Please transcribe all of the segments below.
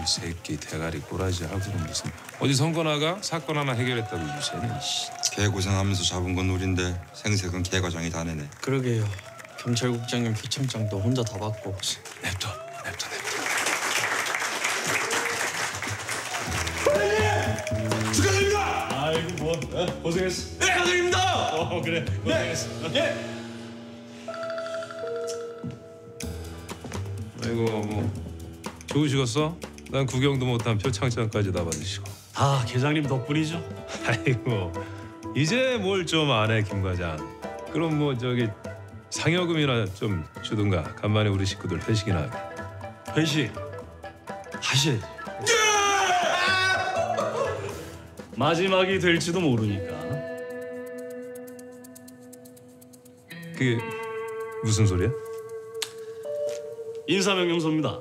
이 새끼 대가리 꼬라지 하고는 무슨 어디 선거 나가 사건 하나 해결했다고 유세네. 개 고생하면서 잡은 건 우린데 생색은 개 과장이 다 내네. 그러게요. 경찰국장님 피청장도 혼자 다 받고. 냅둬. 축하드립니다. 아이고 뭐 고생했어. 네, 축하드립니다. 그래 고생했어. 네. 아이고 뭐 좋으시겠어? 난 구경도 못한 표창장까지 다 받으시고. 다 계장님 덕분이죠. 아이고 이제 뭘 좀 안 해 김 과장. 그럼 뭐 저기 상여금이나 좀 주든가. 간만에 우리 식구들 회식이나 하게. 회식 하셔야지. 마지막이 될지도 모르니까. 그게 무슨 소리야? 인사명령서입니다.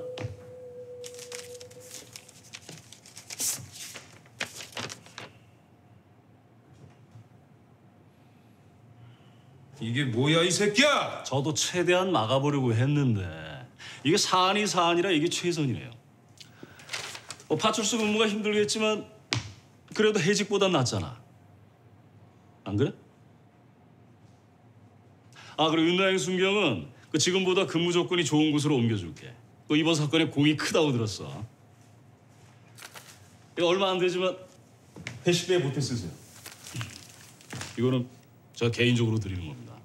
이게 뭐야 이 새끼야? 저도 최대한 막아보려고 했는데 이게 사안이 사안이라 이게 최선이네요. 뭐 파출소 근무가 힘들겠지만 그래도 해직보단 낫잖아. 안 그래? 아 그리고 윤나영 순경은 그 지금보다 근무 조건이 좋은 곳으로 옮겨줄게. 또 이번 사건에 공이 크다고 들었어. 이거 얼마 안 되지만 회식비에 보태 쓰세요. 이거는 저 개인적으로 드리는 겁니다.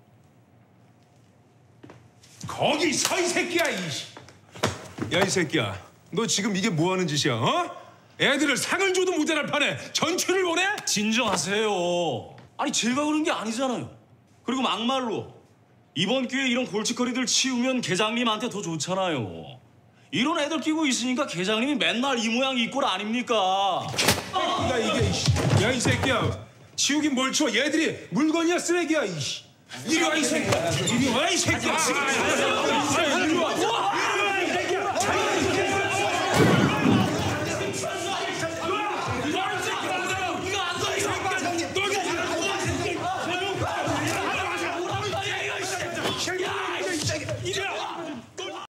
거기 서 이 새끼야 이씨. 야 이 새끼야, 너 지금 이게 뭐 하는 짓이야? 어? 애들을 상을 줘도 모자랄 판에 전출을 보내? 진정하세요. 아니 제가 그런 게 아니잖아요. 그리고 막말로 이번 기회에 이런 골칫거리들 치우면 계장님한테 더 좋잖아요. 이런 애들 끼고 있으니까 계장님이 맨날 이 모양 이 꼴 아닙니까? 야 이게 이씨. 야 이 새끼야, 치우긴 뭘 치워. 얘들이 물건이야 쓰레기야 이씨. 이리 와 이 새끼야. 이리 와 이 새끼야. 이리 와.